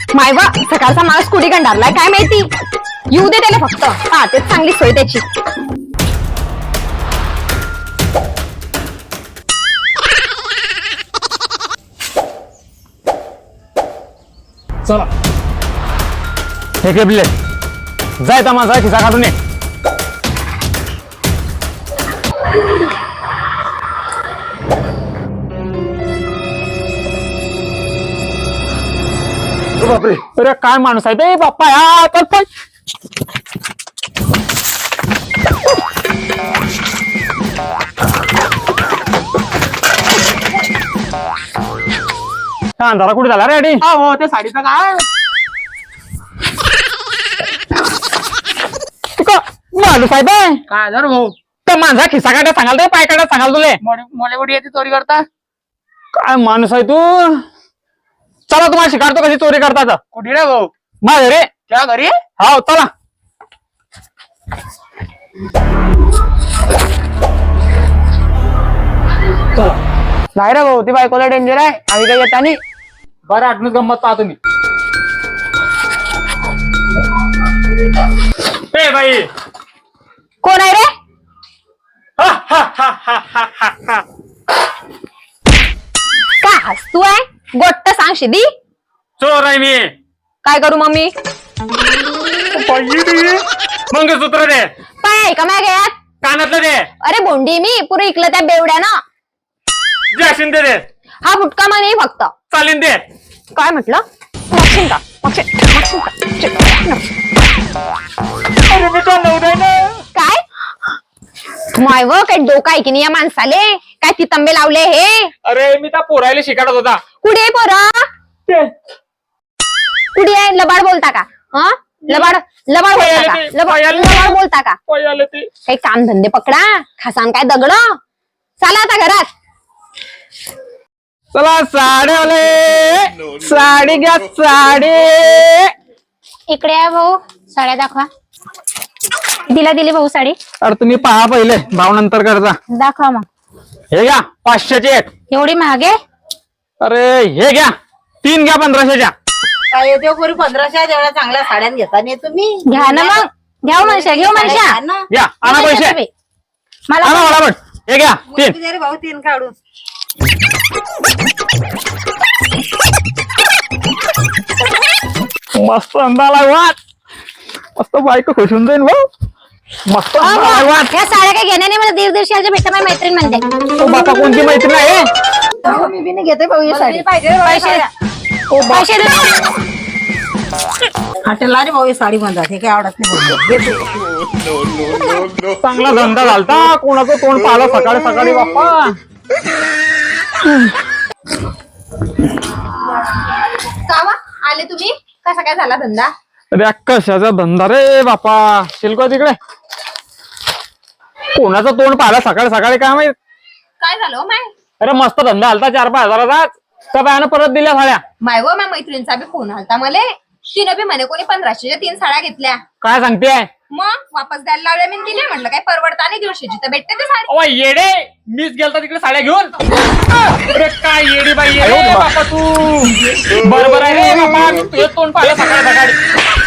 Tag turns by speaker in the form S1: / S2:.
S1: मायवा सकाळचा माणूस कुठे गंडारलाय काय माहिती. येऊ दे त्याला फक्त. हा तेच चांगली सोय त्याची.
S2: चला हे केबले जाय ता माझा खिसा काढून ये. बापरे अरे काय माणूस आहे ते बाप्पा या तर पण अंधारा कुठे झाला रे अडी.
S3: हो ते साडीचं काय
S2: माणूस आहे बे
S3: काय झालं भाऊ.
S2: तर माझा खिसा काढा सांगाल ते पाय काढा सांगाल तुले.
S3: मोले मोठी येते चोरी करता.
S2: काय माणूस आहे तू. चला तुम्हाला शिकारतो कशी चोरी करतात.
S3: कुठे रे भाऊ.
S2: माझ्या रे
S3: त्या घरी
S2: हो चला.
S3: नाही रे भाऊ ती बायकोला डेंजर आहे. आम्ही काही येता नाही.
S2: बरं आठवण गंमत पाहा तुम्ही. ए बाई
S1: कोण आहे रे. का हसतू आहे. गोट्ट सांग शिदी.
S2: चोर आहे मी.
S1: काय करू मम्मी.
S2: मंगळसूत्र दे.
S1: पाय आहे का माझ्या गळ्यात.
S2: कानातलं दे.
S1: अरे बोंडी मी पुरे इकलं त्या बेवड्यानं.
S2: जॅशिन दे.
S1: हा फुटका म्हणे फक्त.
S2: चालीन दे.
S1: काय म्हटलं. मागशील का मागशील का.
S2: अरे मी तो नव्हता ना.
S1: काय मायव काय डोका आहे की नाही या माणसाले. काय ती तंबे लावले हे.
S2: अरे मी त्या पोरायला शिकाडत होता.
S1: कुठे आहे पोरा. कुठे आहे लबाड बोलता का. हा लबाड लबाड बोलता का. लबाड बोलता का.
S2: आले ते
S1: काही काम धंदे पकडा. खसान काय दगड. चला आता घरात.
S2: चला साड्यावाले साडी घ्या साडी.
S1: इकडे आहे भाऊ साड्या दाखवा. दिली भाऊ साडी.
S2: अरे तुम्ही पहा पहिले भाव नंतर करता.
S1: दाखवा मग.
S2: हे घ्या 500ची एक.
S1: एवढी महागे.
S2: अरे हे घ्या 3 घ्या 1500च्या.
S4: काय येते पुरी 1500 एवढ्या चांगल्या साड्या घेता नाही तुम्ही.
S1: घ्या ना मग. घ्या मनशा घेऊ मनशा.
S2: घ्या आणा पैसे
S1: मला
S2: आणा फटाफट. हे घ्या 3.
S4: रे भाऊ 3 काढून.
S2: मस्त अंदाला वाट. मस्त बायको खुश होऊन जाईन भाऊ. मस्त अंदाला वाट.
S1: ह्या साड्या काही घेण्या नाही. मला दीड भेटत माझी मैत्रीण म्हणते.
S2: ओ बापा कोणती मैत्रीण आहे.
S4: मी बी नाही घेते भाऊ ही साडी.
S1: पैसे दे.
S4: हॉटेलला रे भाऊ ही साडी म्हणतात. हे काय आवडत नाही भाऊ.
S2: चांगला धंदा झालता. कोणाचं तोंड पाहिलं सकाळी सकाळी बाप्पा.
S1: कावा आले तुम्ही. कसा काय झाला धंदा.
S2: अरे कशाचा धंदा रे बापा. शिल्को तिकडे कोणाचं तोंड पाहिलं सकाळी सकाळी काय माहित.
S1: काय झालं माय.
S2: अरे मस्त धंदा आलता 4-5 हजाराचाच. त्या बायानं परत दिल्या साड्या.
S1: माय व माझ्या मैत्रिणीचा बी फोन आलता मले. तिनं बी म्हणे कोणी 1500च्या 3 साड्या घेतल्या.
S2: काय सांगतेय.
S1: मग वापस द्यायला लावल्या मी दिले. म्हटलं काय परवडता नाही 150ची तर भेटते ते साडी.
S2: अवा येडे मीच गेलता तिकडे साड्या घेऊन. अरे काय येडी बाई आहे बापा तू. बरोबर आहे रे बापा. मी तुझं तोंड पाहिलं सकाळी सकाळी.